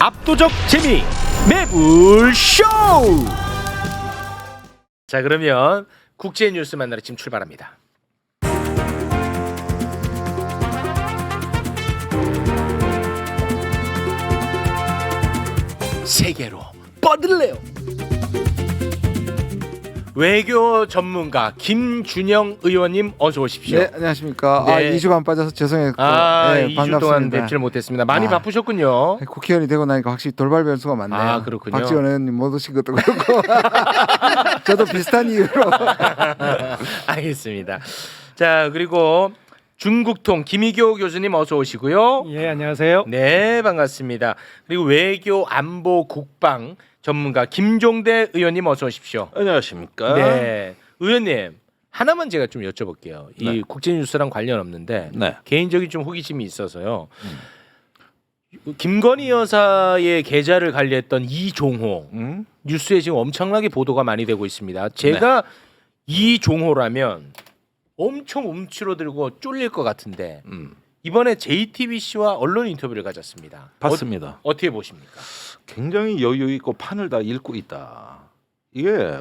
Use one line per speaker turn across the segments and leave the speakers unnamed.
압도적 재미 매불쇼. 자, 그러면 국제 뉴스 만나러 지금 출발합니다. 세계로 뻗을래요. 외교 전문가 김준영 의원님 어서 오십시오.
네, 안녕하십니까.
네.
2주간 빠져서 죄송했고 네,
2주
반갑습니다.
동안 뵙질 못했습니다. 많이 바쁘셨군요.
국회의원이 되고 나니까 확실히 돌발 변수가 많네요.
아, 그렇군요.
박지원 의원님 못 오신 것도 그렇고 저도 비슷한 이유로
알겠습니다. 자, 그리고 중국통 김희교 교수님 어서 오시고요.
예, 안녕하세요.
네, 반갑습니다. 그리고 외교 안보 국방 전문가 김종대 의원님 어서 오십시오.
안녕하십니까.
네, 의원님 하나만 제가 좀 여쭤볼게요. 이
네.
국제 뉴스랑 관련 없는데
네.
개인적인 좀 호기심이 있어서요. 김건희 여사의 계좌를 관리했던 이종호 뉴스에 지금 엄청나게 보도가 많이 되고 있습니다. 제가 이종호라면 엄청 움츠러들고 쫄릴 것 같은데 이번에 JTBC와 언론 인터뷰를 가졌습니다.
봤습니다.
어떻게 보십니까?
굉장히 여유 있고 판을 다 읽고 있다. 이게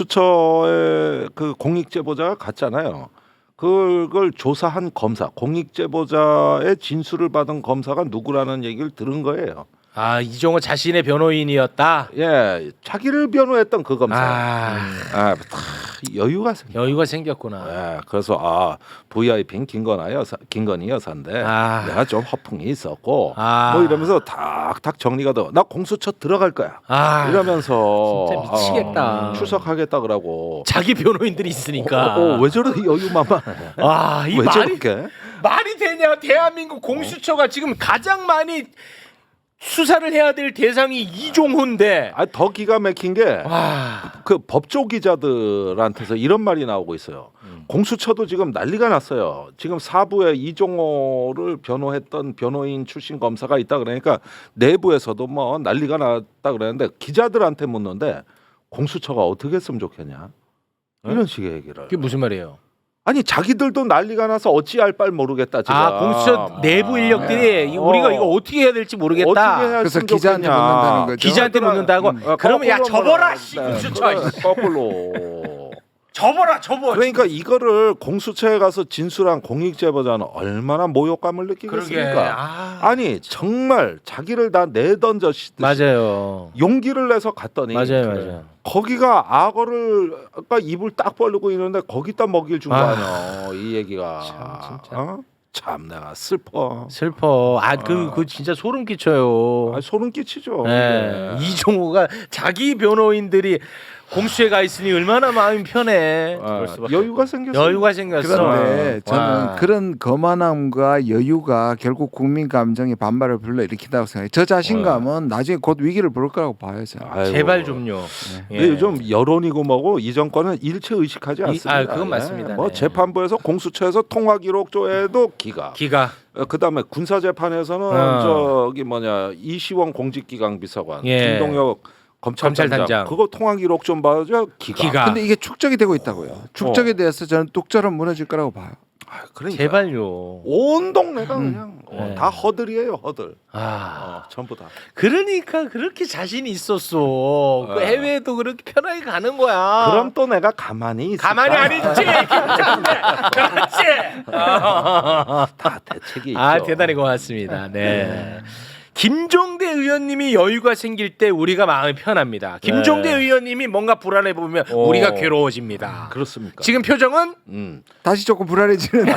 공수처의 그 공익제보자가 갔잖아요. 그걸 조사한 검사, 공익제보자의 진술을 받은 검사가 누구라는 얘기를 들은 거예요.
아, 이종호 자신의 변호인이었다.
예, 자기를 변호했던 그 검사.
다
여유가 생겨.
여유가 생겼구나.
예, 그래서 VIP인 김건희 여사인데 내가 좀 허풍이 있었고 뭐 이러면서 탁탁 정리가 돼. 나 공수처 들어갈 거야. 이러면서
진짜 미치겠다.
출석하겠다 그러고.
자기 변호인들이 있으니까.
왜 저렇게 여유만만해?
이
왜
말이
저렇게?
말이 되냐? 대한민국 공수처가 지금 가장 많이 수사를 해야 될 대상이 이종호인데.
더 기가 막힌 게
와.
그 법조 기자들한테서 이런 말이 나오고 있어요. 공수처도 지금 난리가 났어요. 지금 사부에 이종호를 변호했던 변호인 출신 검사가 있다 그러니까 내부에서도 뭐 난리가 났다 그러는데 기자들한테 묻는데 공수처가 어떻게 했으면 좋겠냐? 이런 식의 얘기를.
그게 무슨 말이에요?
아니 자기들도 난리가 나서 어찌할 바를 모르겠다 지금.
공수처 내부 인력들이 우리가 이거 어떻게 해야 될지 모르겠다.
어떻게 해야
그래서
했으면
기자한테
좋겠냐.
묻는다는 거죠.
기자한테 묻는다고? 그러면 야 접어라 씨
네,
공수처.
그래, 거꾸로.
접어.
그러니까 이거를 공수처에 가서 진술한 공익제보자는 얼마나 모욕감을 느끼겠습니까? 아니 정말 자기를 다 내던져시듯이
맞아요.
용기를 내서 갔더니
맞아요.
거기가 악어를 아까 입을 딱 벌리고 있는데 거기다 먹이를 준 거 아니야 이 얘기가.
참, 진짜.
참 내가 슬퍼.
그 진짜 소름 끼쳐요.
소름 끼치죠.
네. 이종호가 자기 변호인들이 공수처에 가 있으니 얼마나 마음이 편해.
여유가 생겼어.
여유가 생겼어.
그런데 저는
와.
그런 거만함과 여유가 결국 국민 감정의 반발을 불러일으킨다고 생각해요. 저 자신감은 나중에 곧 위기를 부를 거라고 봐요. 저는.
아이고.
제발 좀요.
근데 요즘 여론이고 뭐고 이 정권은 일체 의식하지 않습니다.
그건 맞습니다.
뭐
네.
재판부에서 공수처에서 통화 기록조회도 기가. 그다음에 군사 재판에서는 저기 이시원 공직기강 비서관, 김동혁 검찰단장 그거 통화 기록 좀 봐줘 기가.
근데 이게 축적이 되고 있다고요. 축적에 대해서 저는 뚝처럼 무너질 거라고 봐요.
그러니까
제발요.
온 동네가 그냥
네.
다 허들이에요 허들.
아,
전부 다.
그러니까 그렇게 자신이 있었어. 그 해외에도 그렇게 편하게 가는 거야.
그럼 또 내가 가만히 있을까?
가만히 안 있지. 그렇지.
다 대책이 있죠.
대단히 고맙습니다. 네. 김종대 의원님이 여유가 생길 때 우리가 마음이 편합니다. 김종대 의원님이 뭔가 불안해 보면 우리가 괴로워집니다.
그렇습니까?
지금 표정은
다시 조금 불안해지는데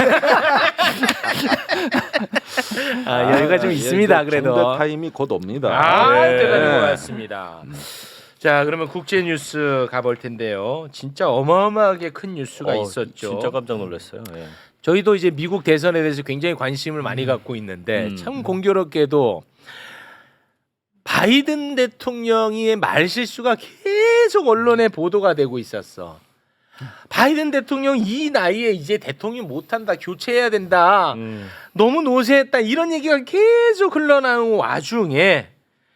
여유가 좀 있습니다. 그래도
정대 타임이 곧 옵니다.
대단히 고맙습니다. 자, 그러면 국제 뉴스 가볼 텐데요. 진짜 어마어마하게 큰 뉴스가 있었죠.
진짜 깜짝 놀랐어요. 예.
저희도 이제 미국 대선에 대해서 굉장히 관심을 많이 갖고 있는데 참 공교롭게도 바이든 대통령의 말실수가 계속 언론에 보도가 되고 있었어. 바이든 대통령 이 나이에 이제 대통령 못한다, 교체해야 된다, 너무 노쇠했다 이런 얘기가 계속 흘러나오는 와중에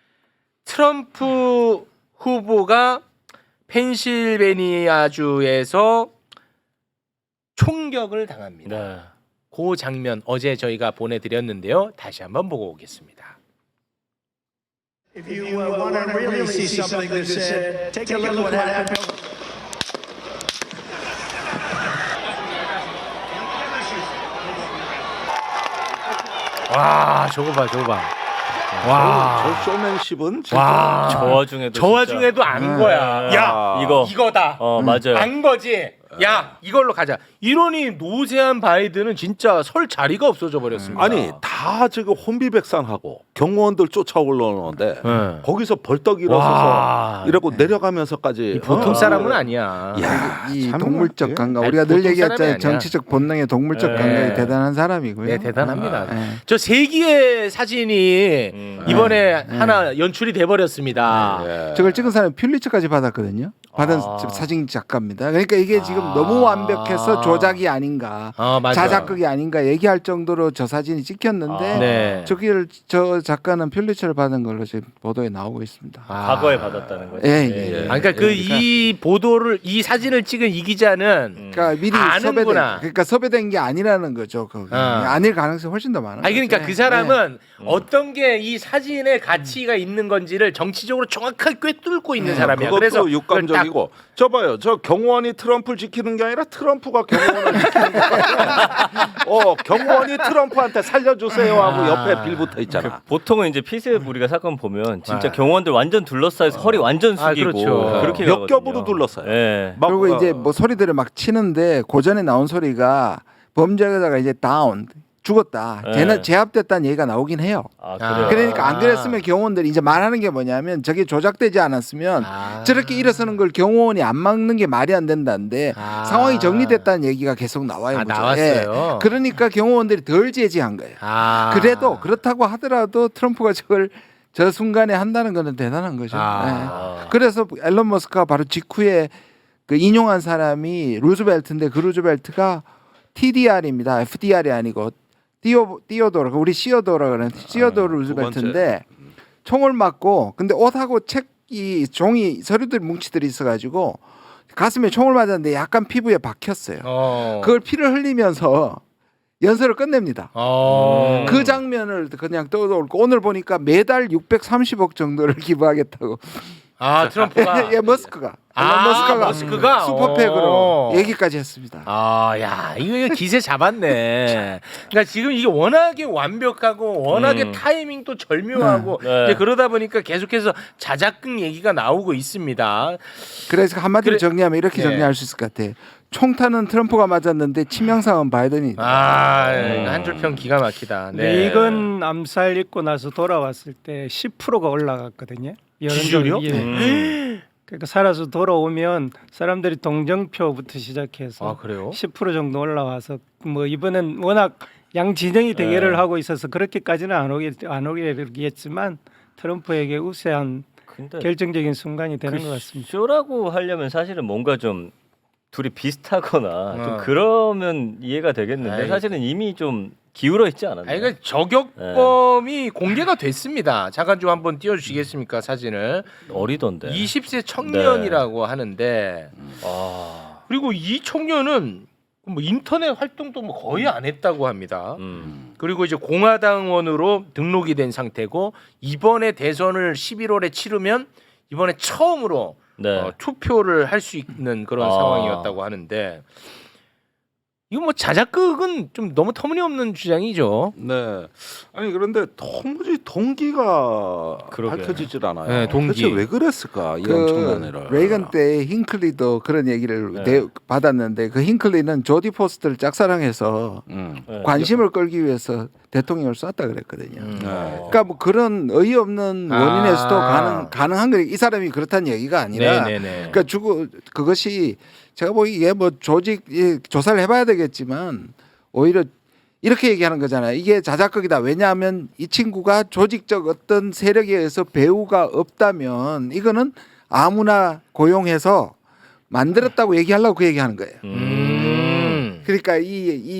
트럼프 후보가 펜실베니아주에서 총격을 당합니다. 그 장면 어제 저희가 보내드렸는데요. 다시 한번 보고 오겠습니다.
If you want to really see something that's said, take a look at what happened.
와 저거 봐 저거 봐. 와.
저 쇼맨십은 진짜
와.
저 와중에도
저 와중에도 안 거야. 야 이거다.
맞아요.
안 거지. 야 이걸로 가자. 이러니 노세한 바이든은 진짜 설 자리가 없어져 버렸습니다.
아니 다 지금 혼비백산하고 경호원들 쫓아 올라오는데
네.
거기서 벌떡 일어서서
와.
이러고 내려가면서까지
보통 사람은 아니야.
야,
이
참
동물적
예.
감각
아니,
우리가 늘
보통
얘기했잖아요.
사람이 아니야.
정치적 본능의 동물적
네.
감각이 대단한 사람이고요.
네 대단합니다.
네.
저 세기의 사진이 이번에 하나 연출이 돼 버렸습니다.
예.
저걸 찍은 사람이 퓰리처까지 받았거든요. 받은 사진 작가입니다. 그러니까 이게 지금 너무 완벽해서 조작이 아닌가,
맞아.
자작극이 아닌가 얘기할 정도로 저 사진이 찍혔는데
네.
저기를 저 작가는 퓰리처를 받은 걸로 지금 보도에 나오고 있습니다.
과거에 받았다는 거죠.
예, 예.
그러니까 그 이 보도를 이 사진을 찍은 이 기자는
그러니까 미리
아는구나.
그러니까 섭외된 게 아니라는 거죠. 아닐 가능성이 훨씬 더 많아요.
아니 그러니까 그 사람은 어떤 게 이 사진의 가치가 있는 건지를 정치적으로 정확하게 꿰뚫고 있는 사람이야.
그것도
그래서
육감적이고 저 봐요. 저 경호원이 트럼프를 지키는 게 아니라 트럼프가 경호원을 지키는 거야. 경호원이 트럼프한테 살려주세요 하고 옆에 빌 붙어 있잖아.
보통은 이제 피스부리가 사건 보면 진짜 경호원들 완전 둘러싸여서 허리 완전 숙이고
그렇죠.
그렇게
몇
가거든요.
겹으로 둘러싸요.
예.
막,
그리고 이제 뭐 소리들을 막 치는데 고전에 나온 소리가 범죄자가 이제 다운 죽었다.
네.
쟤는 제압됐다는 얘기가 나오긴 해요.
그래요.
그러니까 안 그랬으면 경호원들이 이제 말하는 게 뭐냐면 저게 조작되지 않았으면 저렇게 일어서는 걸 경호원이 안 막는 게 말이 안 된다는데 상황이 정리됐다는 얘기가 계속 나와요. 그죠?
나왔어요.
예. 그러니까 경호원들이 덜 제지한 거예요. 그래도 그렇다고 하더라도 트럼프가 저걸 저 순간에 한다는 거는 대단한 거죠. 예. 그래서 앨런 머스크가 바로 직후에 그 인용한 사람이 루즈벨트인데 그 루즈벨트가 TDR입니다. FDR이 아니고 티오도르 우리 시어도르 그러는 시어도르 루즈벨트인데 총을 맞고 근데 옷하고 책이 종이 서류들 뭉치들이 있어가지고 가슴에 총을 맞았는데 약간 피부에 박혔어요. 그걸 피를 흘리면서 연설을 끝냅니다. 그 장면을 그냥 떠올고 오늘 보니까 매달 630억 정도를 기부하겠다고.
트럼프가
예, 머스크가
머스크가
슈퍼팩으로 얘기까지 했습니다.
야 이거 기세 잡았네. 그러니까 지금 이게 워낙에 완벽하고 워낙에 타이밍도 절묘하고 이제 그러다 보니까 계속해서 자작극 얘기가 나오고 있습니다.
그래서 한마디로 정리하면 이렇게 정리할 수 있을 것 같아. 총탄은 트럼프가 맞았는데 치명상은 바이든이.
한 줄 평 기가 막히다. 네.
레이건 암살 있고 나서 돌아왔을 때 10%가 올라갔거든요.
지지율이요?
예. 그러니까 살아서 돌아오면 사람들이 동정표부터 시작해서
그래요?
10% 정도 올라와서 뭐 이번엔 워낙 양 진영이 대결을 하고 있어서 그렇게까지는 안 오겠지만 트럼프에게 우세한
근데
결정적인 순간이 되는 것 같습니다.
쇼라고 하려면 사실은 뭔가 좀 둘이 비슷하거나 좀 그러면 이해가 되겠는데 사실은 이미 좀 기울어 있지 않았나요?
아니, 그러니까 저격범이 공개가 됐습니다. 잠깐 좀 한번 띄워주시겠습니까 사진을?
어리던데.
20세 청년이라고 하는데 그리고 이 청년은 뭐 인터넷 활동도 뭐 거의 안 했다고 합니다. 그리고 이제 공화당원으로 등록이 된 상태고 이번에 대선을 11월에 치르면 이번에 처음으로 투표를 할 수 있는 그런 상황이었다고 하는데 이거 뭐 자작극은 좀 너무 터무니없는 주장이죠.
네. 아니 그런데 도무지 동기가 밝혀지질 않아요.
네, 동기.
대체 왜 그랬을까 이런 청년을.
레이건 때 힌클리도 그런 얘기를 받았는데 그 힌클리는 조디 포스터를 짝사랑해서 관심을 끌기 위해서 대통령을 쐈다 그랬거든요. 그러니까 뭐 그런 어이없는 원인에서도 가능한 거예요. 이 사람이 그렇다는 얘기가 아니라 그러니까 그것이 제가 보기에 뭐 조직 조사를 해봐야 되겠지만 오히려 이렇게 얘기하는 거잖아요. 이게 자작극이다. 왜냐하면 이 친구가 조직적 어떤 세력에 의해서 배우가 없다면 이거는 아무나 고용해서 만들었다고 얘기하려고 그 얘기하는 거예요. 그러니까 이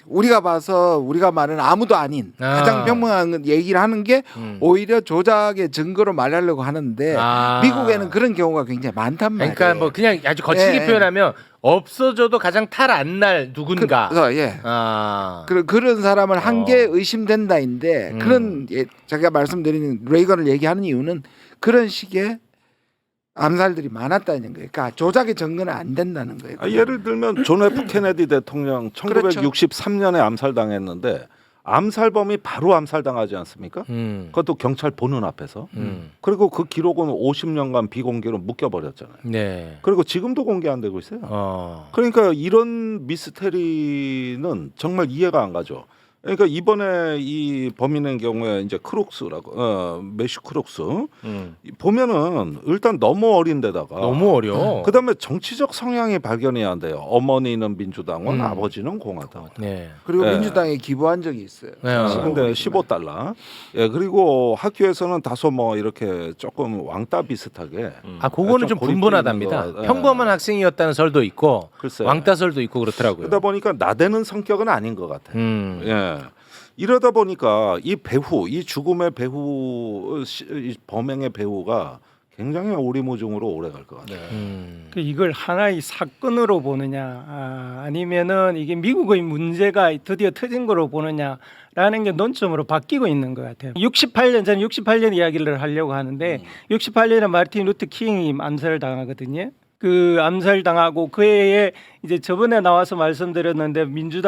우리가 봐서 우리가 말하는 아무도 아닌 가장 평범한 얘기를 하는 게 오히려 조작의 증거로 말하려고 하는데 미국에는 그런 경우가 굉장히 많단 말이에요.
그러니까 뭐 그냥 아주 거칠게 표현하면 없어져도 가장 탈 안 날 누군가.
그런 사람을 한 게 의심된다인데 그런 제가 말씀드리는 레이건을 얘기하는 이유는 그런 식의 암살들이 많았다는 거예요. 그러니까 조작의 증거는 안 된다는 거예요.
예를 들면 존 F 케네디 대통령 1963년에 암살당했는데 암살범이 바로 암살당하지 않습니까? 그것도 경찰 보는 앞에서. 그리고 그 기록은 50년간 비공개로 묶여버렸잖아요.
네.
그리고 지금도 공개 안 되고 있어요. 그러니까 이런 미스테리는 정말 이해가 안 가죠. 그러니까 이번에 이 범인의 경우에 이제 크룩스라고 매슈 크룩스 보면은 일단 너무 어린데다가
너무 어려.
그다음에 정치적 성향이 발견이 안 돼요. 어머니는 민주당원, 아버지는 공화당원.
네.
그리고
네.
민주당에 기부한 적이 있어요.
근데 $15. 예, 그리고 학교에서는 다소 뭐 이렇게 조금 왕따 비슷하게.
그거는 좀
고립돼
분분하답니다.
있는 거.
평범한 학생이었다는 설도 있고
글쎄.
왕따설도 있고 그렇더라고요.
그러다 보니까 나대는 성격은 아닌 것 같아요. 예. 이러다 보니까 이 배후, 이 죽음의 배후, 이 범행의 배후가 굉장히 오리무중으로 오래 갈 것 같아요.
그 이걸 하나의 사건으로 보느냐 아니면은 이게 미국의 문제가 드디어 터진 거로 보느냐라는 게 논점으로 바뀌고 있는 것 같아요. 68년 이야기를 하려고 하는데 68년에 마르틴 루터 킹이 암살을 당하거든요. 그 암살 당하고 그 해에 이제 저번에 나와서 말씀드렸는데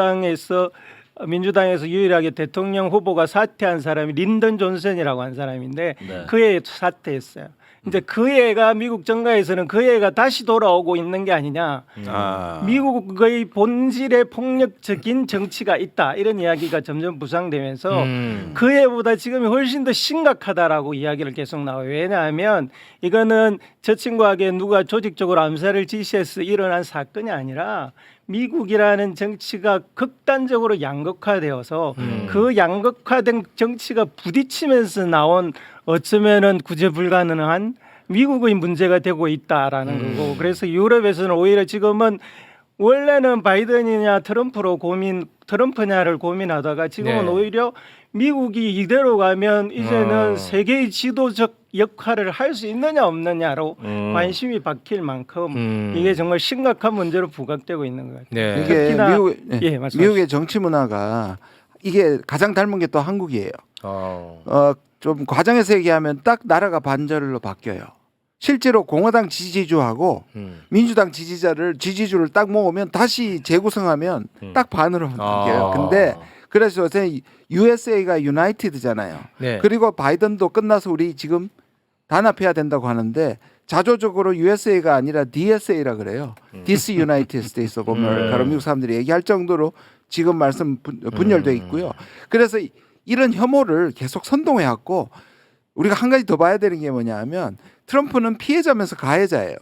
민주당에서 유일하게 대통령 후보가 사퇴한 사람이 린던 존슨이라고 한 사람인데 그 해에 사퇴했어요. 이제 그 애가 미국 정가에서는 그 애가 다시 돌아오고 있는 게 아니냐. 미국의 본질의 폭력적인 정치가 있다. 이런 이야기가 점점 부상되면서 그 애보다 지금이 훨씬 더 심각하다라고 이야기를 계속 나와요. 왜냐하면 이거는 저 친구에게 누가 조직적으로 암살을 지시해서 일어난 사건이 아니라 미국이라는 정치가 극단적으로 양극화되어서 그 양극화된 정치가 부딪히면서 나온 어쩌면은 구제 불가능한 미국의 문제가 되고 있다라는 거고 그래서 유럽에서는 오히려 지금은 원래는 바이든이냐 트럼프냐를 고민하다가 지금은 오히려 미국이 이대로 가면 이제는 세계의 지도적 역할을 할 수 있느냐 없느냐로 관심이 바뀔 만큼 이게 정말 심각한 문제로 부각되고 있는 것 같아요.
네.
이게 미국의 정치 문화가 이게 가장 닮은 게 또 한국이에요. 좀 과장해서 얘기하면 딱 나라가 반절로 바뀌어요. 실제로 공화당 지지주하고 민주당 지지주를 딱 모으면 다시 재구성하면 딱 반으로 바뀌어요. 근데 그래서 요새 USA가 유나이티드잖아요.
네.
그리고 바이든도 끝나서 우리 지금 단합해야 된다고 하는데 자조적으로 USA가 아니라 DSA라 그래요. Disunited States of America로 미국 사람들이 얘기할 정도로 지금 말씀 분열돼 있고요. 그래서 이런 혐오를 계속 선동해 왔고 우리가 한 가지 더 봐야 되는 게 뭐냐면 트럼프는 피해자면서 가해자예요.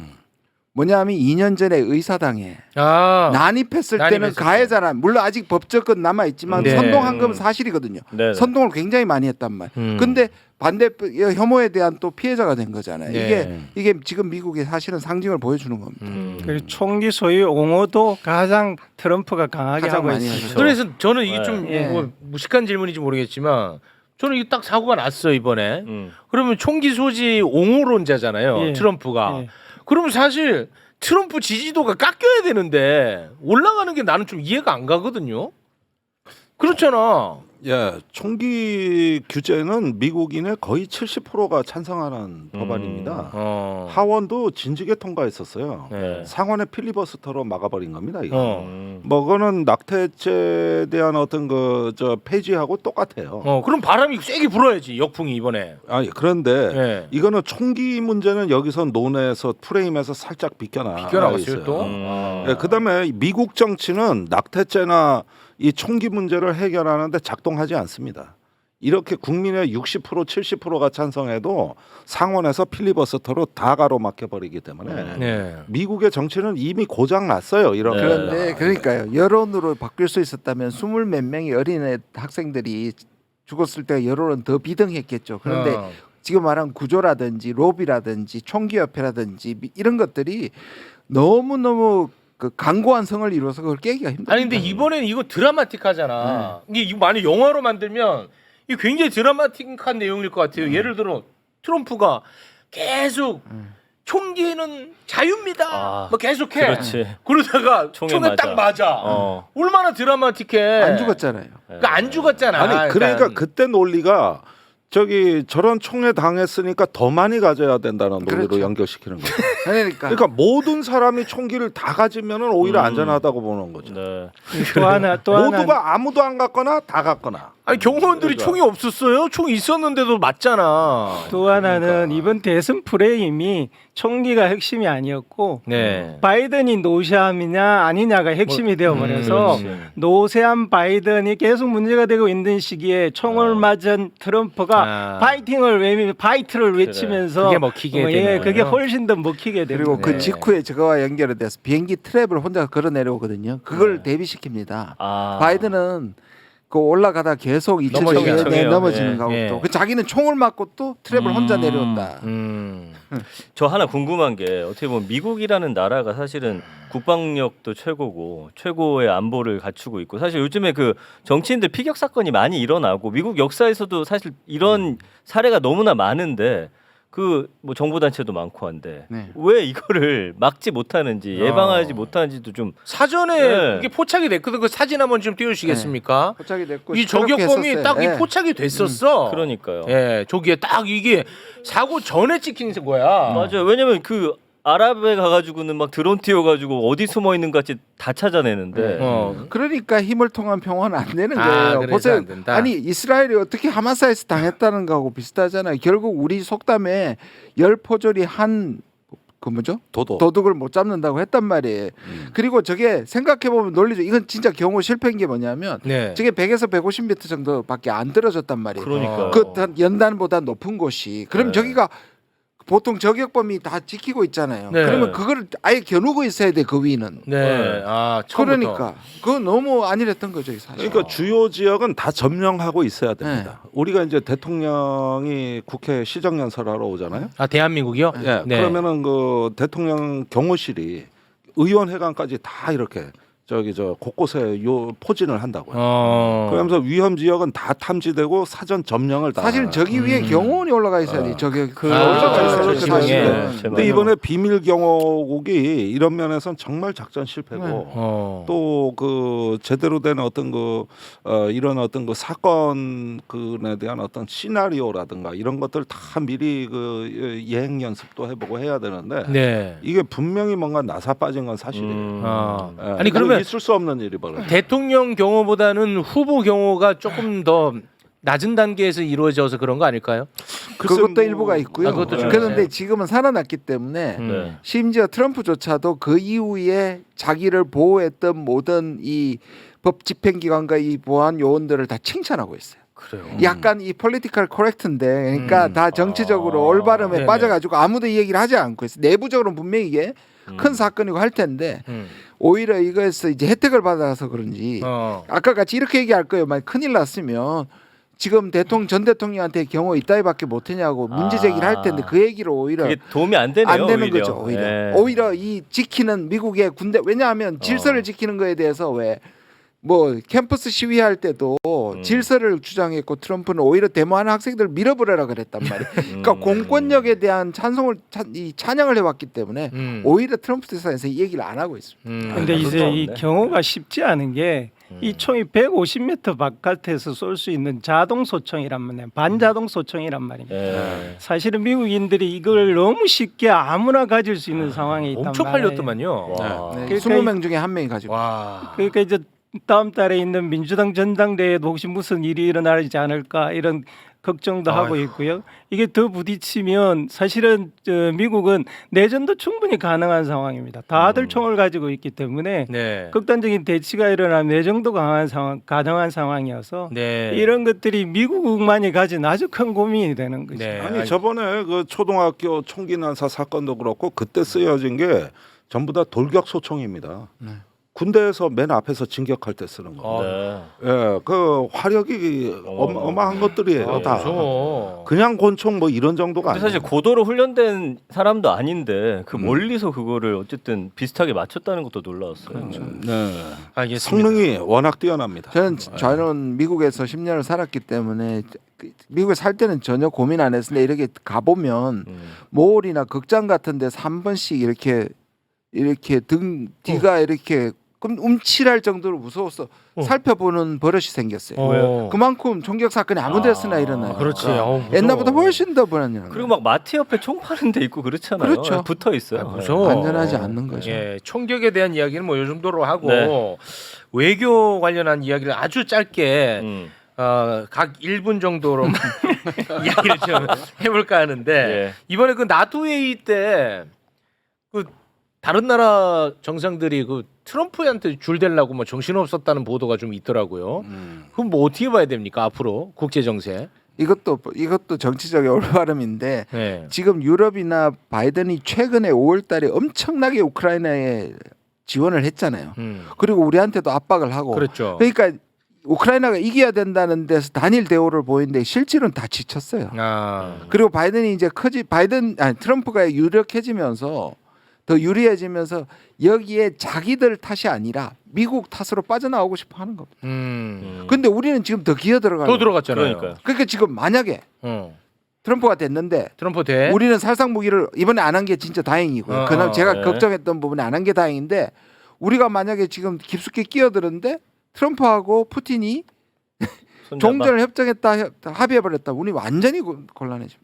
뭐냐면 2년 전에 의사당에 난입했을 때는 가해자란 물론 아직 법적은 남아 있지만 선동한 건 사실이거든요. 선동을 굉장히 많이 했단 말. 근데 반대 혐오에 대한 또 피해자가 된 거잖아요. 이게 지금 미국의 사실은 상징을 보여주는 겁니다.
그리고 총기 소유 옹호도 가장 트럼프가 강하게 하고 있어요.
그래서 저는 이게 좀 뭐 무식한 질문인지 모르겠지만 저는 이게 딱 사고가 났어 이번에. 그러면 총기 소지 옹호론자잖아요. 트럼프가. 그러면 사실 트럼프 지지도가 깎여야 되는데 올라가는 게 나는 좀 이해가 안 가거든요. 그렇잖아.
예, 총기 규제는 미국인의 거의 70%가 찬성하는 법안입니다. 하원도 진즉에 통과했었어요. 상원의 필리버스터로 막아버린 겁니다. 이거. 뭐 그거는 낙태죄에 대한 어떤 저 폐지하고 똑같아요.
그럼 바람이 세게 불어야지 역풍이 이번에.
아니 그런데 이거는 총기 문제는 여기서 논에서 프레임에서 살짝
비껴나갔어요 또.
그다음에 미국 정치는 낙태죄나 이 총기 문제를 해결하는데 작동하지 않습니다. 이렇게 국민의 60% 70%가 찬성해도 상원에서 필리버스터로 다 가로막혀버리기 때문에 미국의 정치는 이미 고장 났어요. 이런
그런데 그러니까요. 여론으로 바뀔 수 있었다면 20 몇 명의 어린애 학생들이 죽었을 때 여론은 더 비등했겠죠. 그런데 지금 말한 구조라든지 로비라든지 총기협회라든지 이런 것들이 너무너무 그 강고한 성을 이루어서 그걸 깨기가 힘들다.
아니 근데 이번에는 이거 드라마틱하잖아. 이게 이거 만약 영화로 만들면 이게 굉장히 드라마틱한 내용일 것 같아요. 예를 들어 트럼프가 계속 총기는 자유입니다. 뭐 계속해.
그렇지.
그러다가 총에
맞아.
딱 맞아. 얼마나 드라마틱해.
안 죽었잖아요.
그러니까 안 죽었잖아.
아니 그러니까 그때 논리가 저기 저런 총에 당했으니까 더 많이 가져야 된다는 논리로
그렇죠.
연결시키는 거죠.
그러니까
모든 사람이 총기를 다 가지면은 오히려 안전하다고 보는 거죠.
네.
또 하나
모두가 아무도 안 갖거나 다 갖거나.
아니 경호원들이 총이 없었어요? 총이 있었는데도 맞잖아.
또 하나는 이번 대선 프레임이 총기가 핵심이 아니었고
네.
바이든이 노세함이냐 아니냐가 핵심이 되어버려서
그렇지.
노세함 바이든이 계속 문제가 되고 있는 시기에 총을 맞은 트럼프가 파이트를 외치면서
그게 먹히게 되는
예, 그게
거예요?
훨씬 더 먹히게 됩니다.
그리고 그
네.
직후에 저거와 연결이 돼서 비행기 트랩을 혼자 걸어 내려오거든요. 그걸 대비시킵니다. 바이든은 그 올라가다 계속
넘어지게
넘어지는
예.
거고
예.
또 그 자기는 총을 맞고 또 트랩을 혼자 내려온다.
저 하나 궁금한 게 어떻게 보면 미국이라는 나라가 사실은 국방력도 최고고 최고의 안보를 갖추고 있고 사실 요즘에 그 정치인들 피격 사건이 많이 일어나고 미국 역사에서도 사실 이런 사례가 너무나 많은데 그 뭐 정보 단체도 많고 한데
네.
왜 이거를 막지 못하는지 예방하지 못하는지도 좀
사전에
네.
이게 포착이 됐거든. 그 사진 한번 좀 띄워주시겠습니까?
포착이 됐고
이
시끄럽게
저격범이
했었어요.
딱 이
예.
포착이 됐었어.
그러니까요.
예, 저기에 딱 이게 사고 전에 찍힌 거야.
맞아요. 왜냐면 그 아랍에 가가지고는 막 드론 띄워가지고 어디 숨어 있는 것 같이 다 찾아내는데
그러니까 힘을 통한 평화는 안 되는
아,
거예요.
그래서
보세요.
안 된다?
아니 이스라엘이 어떻게 하마스에서 당했다는 거하고 비슷하잖아요. 결국 우리 속담에 열 포졸이 한 그 뭐죠? 도둑을 못 잡는다고 했단 말이에요. 그리고 저게 생각해 보면 논리죠. 이건 진짜 경우 실패인 게 뭐냐면
네.
저게 100에서 150m 정도밖에 안 떨어졌단 말이에요.
그러니까요.
그 연단보다 높은 곳이. 그럼
네.
저기가 보통 저격범이 다 지키고 있잖아요.
네.
그러면 그걸 아예 겨누고 있어야 돼 그 위는.
네. 아, 처음부터.
그러니까 그거 너무 안일했던 거죠 사실.
그러니까 주요 지역은 다 점령하고 있어야 됩니다. 우리가 이제 대통령이 국회 시정연설하러 오잖아요.
아, 대한민국이요?
예,
네.
그러면은 그 대통령 경호실이 의원회관까지 다 이렇게 저기 저 곳곳에 요 포진을 한다고요. 그러면서 위험 지역은 다 탐지되고 사전 점령을 다.
사실 저기 위에 경호원이 올라가 있어야 돼. 저기
올라가 있어야
그렇죠,
돼,
사실은.
지붕에.
근데 이번에 비밀 경호국이 이런 면에서는 정말 작전 실패고
네.
또 그 제대로 된 어떤 그 이런 어떤 그 사건에 대한 어떤 시나리오라든가 이런 것들 다 미리 그 예행 연습도 해보고 해야 되는데
네.
이게 분명히 뭔가 나사 빠진 건 사실이에요. 예,
아니 그러면
있을 수 없는 일이 벌어져.
대통령 경호보다는 후보 경호가 조금 더 낮은 단계에서 이루어져서 그런 거 아닐까요?
그것도 일부가 있고요.
아, 그것도 좀
그런데
있어요.
지금은 살아났기 때문에
네.
심지어 트럼프조차도 그 이후에 자기를 보호했던 모든 이 법 집행기관과 이 보안 요원들을 다 칭찬하고 있어요.
그래요.
약간 이 폴리티컬 코렉트인데 그러니까 다 정치적으로 올바름에
네네.
빠져가지고 아무도 이 얘기를 하지 않고 있어요. 내부적으로는 분명히 이게 큰 사건이고 할 텐데 오히려 이거에서 이제 혜택을 받아서 그런지 아까 같이 이렇게 얘기할 거예요. 만약 큰일 났으면 지금 전 대통령한테 경호 이따위밖에 못했냐고 문제 제기를 할 텐데 그 얘기를 오히려
그게 도움이 안 되네요.
안 되는
오히려.
거죠. 오히려
네.
오히려 이 지키는 미국의 군대 왜냐하면 질서를 지키는 거에 대해서 왜 뭐 캠퍼스 시위할 때도 질서를 주장했고 트럼프는 오히려 데모하는 학생들을 밀어버려라 그랬단 말이에요. 그러니까 공권력에 대한 찬양을 해왔기 때문에 오히려 트럼프 대사에서 이 얘기를 안 하고 있습니다.
근데 이제 이
없네.
경호가 쉽지 않은 게 이 총이 150m 바깥에서 쏠 수 있는 자동 소총이란 말이에요. 반자동 소총이란 말입니다.
네.
사실은 미국인들이 이걸 너무 쉽게 아무나 가질 수 있는 상황에 있단
엄청
말이에요.
팔렸더만요.
와.
네,
그러니까
20명 중에 한 명이 가지고
와.
그러니까 이제 다음 달에 있는 민주당 전당대회에도 혹시 무슨 일이 일어나지 않을까 이런 걱정도 하고 있고요. 이게 더 부딪히면 사실은 미국은 내전도 충분히 가능한 상황입니다. 다들 총을 가지고 있기 때문에
네.
극단적인 대치가 일어나면 내정도 가능한 상황이어서
네.
이런 것들이 미국만이 가진 아주 큰 고민이 되는 거죠.
네.
아니 저번에 그 초등학교 총기 난사 사건도 그렇고 그때 쓰여진 게 전부 다 돌격 소총입니다. 군대에서 맨 앞에서 진격할 때 쓰는 거.
네.
예, 그 화력이 어마어마한 것들이에요. 다.
무서워.
그냥 권총 뭐 이런 정도가
근데
아니에요.
사실 고도로 훈련된 사람도 아닌데 그
음.
멀리서 그거를 어쨌든 비슷하게 맞췄다는 것도 놀라웠어요.
네.
알겠습니다.
성능이 워낙 뛰어납니다.
저는 미국에서 10년을 살았기 때문에 미국에 살 때는 전혀 고민 안 했는데 이렇게 가보면 몰이나 극장 같은 데서 한 번씩 이렇게 등 뒤가 이렇게 움찔할 정도로 무서워서 살펴보는 버릇이 생겼어요.
왜요?
그만큼 총격 사건이 아무 데서나 일어나요.
그렇지. 무서워.
옛날보다 훨씬 더 불안해요.
그리고 막 마트 옆에 총 파는 데 있고 그렇잖아요.
그렇죠.
붙어 있어요.
무서워.
안전하지 않는 거죠.
예, 총격에 대한 이야기는 뭐 이 정도로 하고
네.
외교 관련한 이야기를 아주 짧게
음.
각 1분 정도로 이야기를 좀 해볼까 하는데
예.
이번에 그 나토 회의 때 그 다른 나라 정상들이 그 트럼프한테 줄 대려고 뭐 정신 없었다는 보도가 좀 있더라고요. 그럼 뭐 어떻게 봐야 됩니까 앞으로 국제 정세?
이것도 정치적인 올바름인데
네.
지금 유럽이나 바이든이 최근에 5월달에 엄청나게 우크라이나에 지원을 했잖아요. 그리고 우리한테도 압박을 하고.
그렇죠.
그러니까 우크라이나가 이겨야 된다는 데서 단일 대우를 보이는데 실질은 다 지쳤어요. 그리고 바이든이 이제 트럼프가 유력해지면서 더 유리해지면서 여기에 자기들 탓이 아니라 미국 탓으로 빠져나오고 싶어 하는 겁니다. 근데 우리는 지금 더 기어 들어가요.
또 들어갔잖아요.
그러니까요.
그러니까 지금 만약에 트럼프가 됐는데
트럼프 대
우리는 살상 무기를 이번에 안 한 게 진짜 다행이고요. 그나마 제가
네.
걱정했던 부분에 안 한 게 다행인데 우리가 만약에 지금 깊숙이 끼어들었는데 트럼프하고 푸틴이
손잡아.
종전을 협정했다 합의해버렸다. 우리 완전히 곤란해집니다.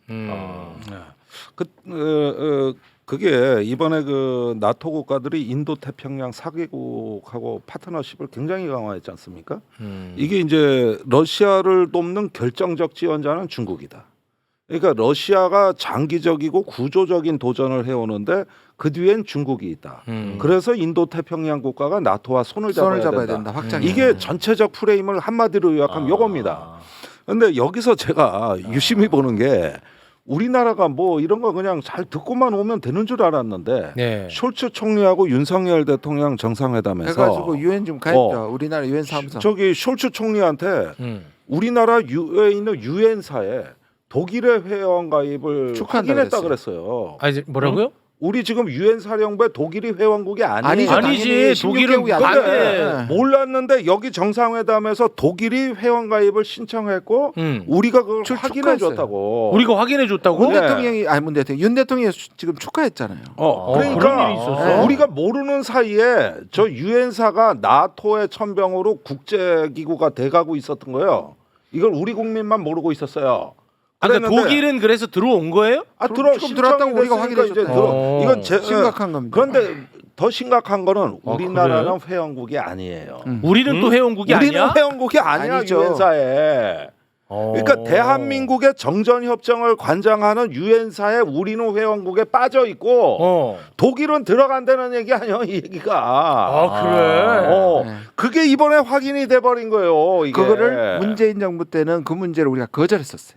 그게 이번에 그 나토 국가들이 인도 태평양 4개국하고 파트너십을 굉장히 강화했지 않습니까? 이게 이제 러시아를 돕는 결정적 지원자는 중국이다. 그러니까 러시아가 장기적이고 구조적인 도전을 해오는데 그 뒤엔 중국이 있다. 그래서 인도 태평양 국가가 나토와 손을 잡아야 된다.
확장이.
이게 전체적 프레임을 한마디로 요약하면 요겁니다. 근데 여기서 제가 유심히 보는 게 우리나라가 뭐 이런 거 그냥 잘 듣고만 오면 되는 줄 알았는데
네.
숄츠 총리하고 윤석열 대통령 정상회담에서
해가지고 유엔 좀 가있죠. 우리나라 유엔 사무소.
저기 숄츠 총리한테 우리나라 유에 있는 유엔사에 독일의 회원 가입을
축하한다
확인했다
그랬어요.
그랬어요.
아니 뭐라고요?
우리 지금 유엔 사령부에 독일이 회원국이 아니에요.
아니지. 독일은
16개국이 안 돼.
몰랐는데 여기 정상회담에서 독일이 회원 가입을 신청했고 우리가 그걸 확인해 줬다고.
우리가 확인해 줬다고?
문 대통령이 문 대통령 윤 대통령이 지금 축하했잖아요.
그런
그러니까
일이 있었어?
우리가 모르는 사이에 저 유엔사가 나토의 천병으로 국제기구가 돼가고 있었던 거예요. 이걸 우리 국민만 모르고 있었어요.
그러니까
그랬는데-
독일은 그래서 들어온 거예요?
지금 들어왔다고 우리가 확인해
이제
줬다.
이건
심각한 겁니다.
그런데 더 심각한 거는
그래요?
우리나라는 회원국이 아니에요.
우리는 또 회원국이
우리는
아니야?
회원국이 아니야
아니죠.
유엔사에. 그러니까 대한민국의 정전 협정을 관장하는 유엔사에 우리는 회원국에 빠져 있고 독일은 들어간다는 얘기 아니야 이 얘기가.
그래.
그게 이번에 확인이 돼 버린 거예요. 이게.
그거를 문재인 정부 때는 그 문제를 우리가 거절했었어요.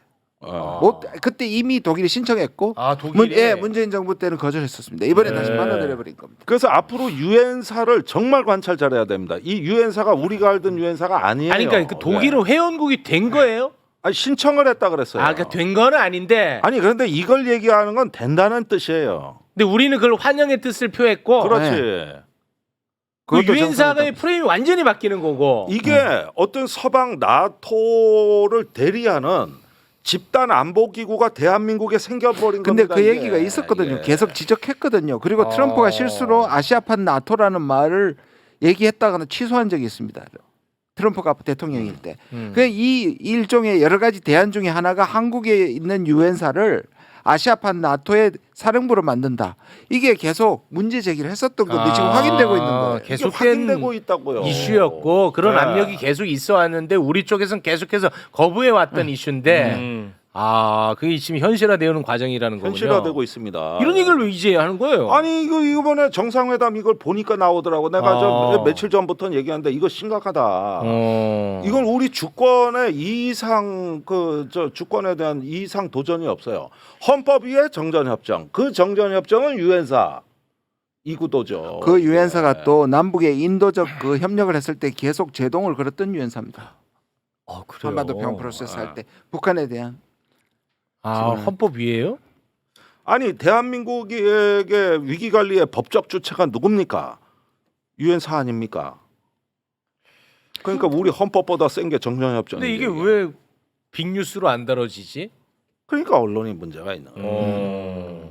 그때 이미 독일이 신청했고
독일이
문재인 정부 때는 거절했었습니다. 이번에 다시 받아들여 버린 겁니다.
그래서 앞으로 유엔사를 정말 관찰 잘해야 됩니다. 이 유엔사가 우리가 알던 유엔사가 아니에요.
아니 그러니까 그 독일은 회원국이 된 거예요?
아니, 신청을 했다 그랬어요.
그러니까 된 거는 아닌데.
아니 그런데 이걸 얘기하는 건 된다는 뜻이에요.
근데 우리는 그걸 환영의 뜻을 표했고.
그렇지.
그 유엔사의 프레임이 완전히 바뀌는 거고.
이게 어떤 서방 나토를 대리하는 집단 안보 기구가 대한민국에 생겨버린
근데
겁니다.
그
이게.
얘기가 있었거든요.
이게.
계속 지적했거든요. 그리고 트럼프가 실수로 아시아판 나토라는 말을 얘기했다가는 취소한 적이 있습니다. 트럼프가 대통령일 때. 이 일종의 여러 가지 대안 중에 하나가 한국에 있는 유엔사를 아시아판 나토의 사령부로 만든다. 이게 계속 문제 제기를 했었던 건데 지금 확인되고 있는 거예요.
이게
계속된
확인되고 있다고요.
이슈였고 그런
네.
압력이 계속 있어 왔는데 우리 쪽에서는 계속해서 거부해 왔던 이슈인데 그게 지금 현실화되는 과정이라는 거군요.
현실화되고 있습니다.
이런 얘기를 왜 이제 하는 거예요?
아니 이번에 정상회담 이걸 보니까 나오더라고. 내가 저 며칠 전부터 얘기하는데 이거 심각하다. 이건 우리 주권의 이상 저 주권에 대한 이상 도전이 없어요. 헌법 위에 정전협정. 그 정전협정은 유엔사. 이 구도죠.
그 유엔사가
네.
또 남북의 인도적 그 협력을 했을 때 계속 제동을 걸었던 유엔사입니다.
그래요.
한반도 평화 프로세스 할 때 북한에 대한
헌법 위에요?
아니 대한민국에게 위기 관리의 법적 주체가 누굽니까? 유엔사 아닙니까? 그러니까 우리 헌법보다 센 게 정전협정.
근데 이게 왜 빅뉴스로 안 다뤄지지?
그러니까 언론이 문제가 있는 거예요.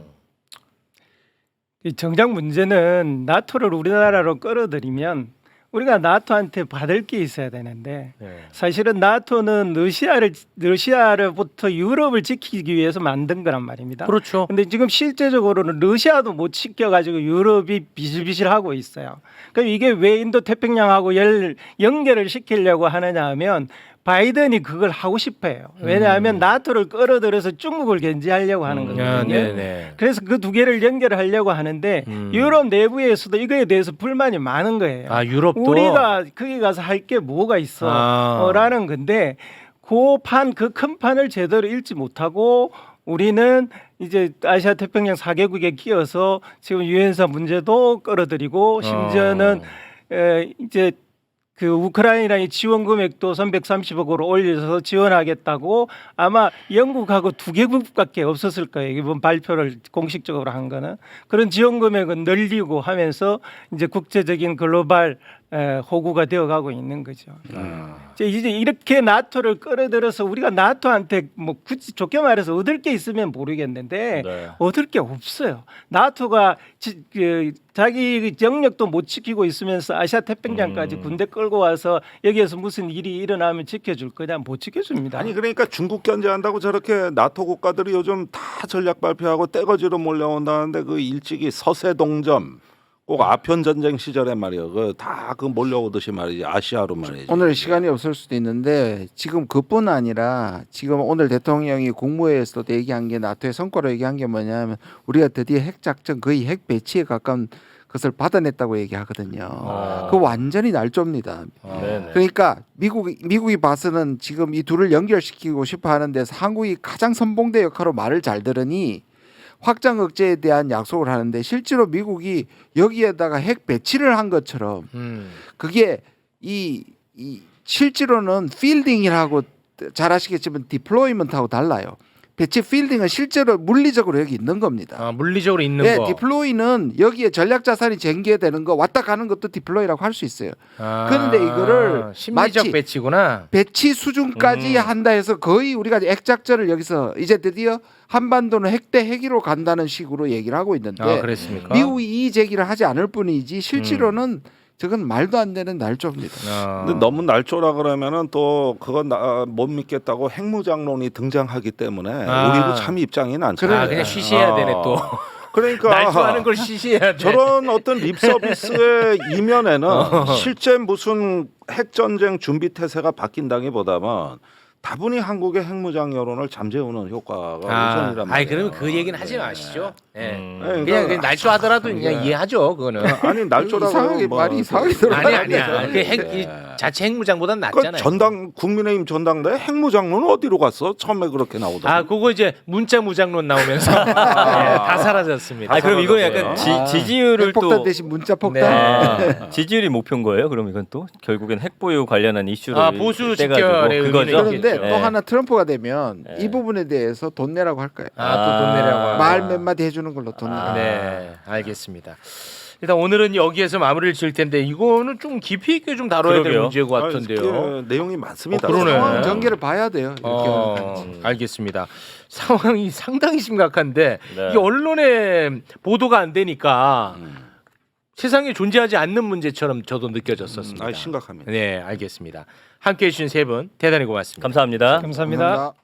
이 정작 문제는 나토를 우리나라로 끌어들이면 우리가 나토한테 받을 게 있어야 되는데 사실은 나토는 러시아로부터 유럽을 지키기 위해서 만든 거란 말입니다.
그렇죠.
근데 지금 실제적으로는 러시아도 못 지켜가지고 유럽이 비실비실하고 있어요. 그럼 이게 왜 인도 태평양하고 연결을 시키려고 하느냐 하면 바이든이 그걸 하고 싶어요. 왜냐하면 나토를 끌어들여서 중국을 견제하려고 하는 거거든요.
네네.
그래서 그 두 개를 연결하려고 하는데 유럽 내부에서도 이거에 대해서 불만이 많은 거예요.
아 유럽도
우리가 거기 가서 할 게 뭐가 있어? 라는 건데 그 큰 판을 제대로 읽지 못하고 우리는 이제 아시아 태평양 4개국에 끼어서 지금 유엔사 문제도 끌어들이고 심지어는 이제 그 우크라이나의 지원 금액도 330억으로 올려서 지원하겠다고 아마 영국하고 2개국밖에 없었을 거예요. 이번 발표를 공식적으로 한 거는 그런 지원 금액은 늘리고 하면서 이제 국제적인 글로벌 호구가 되어가고 있는 거죠. 이제 이렇게 나토를 끌어들여서 우리가 나토한테 뭐 굳이 좋게 말해서 얻을 게 있으면 모르겠는데 얻을 게 없어요. 나토가 자기 영역도 못 지키고 있으면서 아시아 태평양까지 군대 끌고 와서 여기에서 무슨 일이 일어나면 지켜줄 거냐? 못 지켜줍니다.
아니 그러니까 중국 견제한다고 저렇게 나토 국가들이 요즘 다 전략 발표하고 떼거지로 몰려온다는데 그 일찍이 서세동점 꼭 아편 전쟁 시절에 말이요. 그 다 그 몰려오듯이 말이지 아시아로 말이지.
오늘 시간이 없을 수도 있는데 지금 그뿐 아니라 지금 오늘 대통령이 국무회의에서도 얘기한 게 나토의 성과로 얘기한 게 뭐냐면 우리가 드디어 핵 작전 거의 핵 배치에 가까운 것을 받아냈다고 얘기하거든요. 그 완전히 날조입니다. 그러니까 미국이 봐서는 지금 이 둘을 연결시키고 싶어 하는데 한국이 가장 선봉대 역할로 말을 잘 들으니 확장 억제에 대한 약속을 하는데 실제로 미국이 여기에다가 핵 배치를 한 것처럼 그게 이 실제로는 필딩이라고 잘 아시겠지만 디플로이먼트하고 달라요. 배치 필딩은 실제로 물리적으로 여기 있는 겁니다.
아, 물리적으로 있는
네,
거.
디플로이는 여기에 전략 자산이 쟁개되는 거 왔다 가는 것도 디플로이라고 할 수 있어요. 그런데 이거를
심리적
마치
배치구나.
배치 수준까지 한다 해서 거의 우리가 핵작전을 여기서 이제 드디어 한반도는 핵 대 핵으로 간다는 식으로 얘기를 하고 있는데
그랬습니까?
미국이 이 제기를 하지 않을 뿐이지 실제로는 저건 말도 안 되는 날조입니다.
근데 너무 날조라 그러면은 또 그건 못 믿겠다고 핵무장론이 등장하기 때문에 우리도 참 입장이 난처해요.
그냥 쉬쉬해야 되네 또.
그러니까
날조하는 걸 쉬쉬해야 돼.
저런 어떤 립 서비스의 이면에는 실제 무슨 핵 전쟁 준비 태세가 바뀐다기보다는 다분히 한국의 핵무장 여론을 잠재우는 효과가 우선이란 말이에요.
그러면 그 얘기는 하지 마시죠.
그러니까
그냥 날조하더라도 그냥 이해하죠. 그거는.
아니 날조라고
이상하게 말이 이상하게 들어.
아니야. 이 자체 핵무장보단 낫잖아요.
전당 국민의힘 전당대 핵무장론은 어디로 갔어? 처음에 그렇게 나오더라고.
그거 이제 문자 무장론 나오면서 다 사라졌습니다.
그럼 이거 약간 지지율을
핵폭탄
또
대신 문자 폭탄.
지지율이 목표인 거예요? 그럼 이건 또 결국엔 핵보유 관련한 이슈를
보수
떼가지고
집결의
그거죠.
그런데
있겠죠.
또 하나 트럼프가 되면 이 부분에 대해서 돈 내라고 할 거예요.
또 돈 내라고.
말 몇 마디 해주는 걸로 돈 내라고.
네, 알겠습니다. 일단 오늘은 여기에서 마무리를 지을 텐데 이거는 좀 깊이 있게 좀 다뤄야 될
그러게요.
문제인 것 같은데요.
내용이 많습니다.
그러네.
상황 전개를 봐야 돼요. 이렇게.
알겠습니다. 상황이 상당히 심각한데
네.
이게 언론에 보도가 안 되니까 세상에 존재하지 않는 문제처럼 저도 느껴졌었습니다.
심각합니다.
네, 알겠습니다. 함께해 주신 세 분 대단히 고맙습니다.
감사합니다.
감사합니다.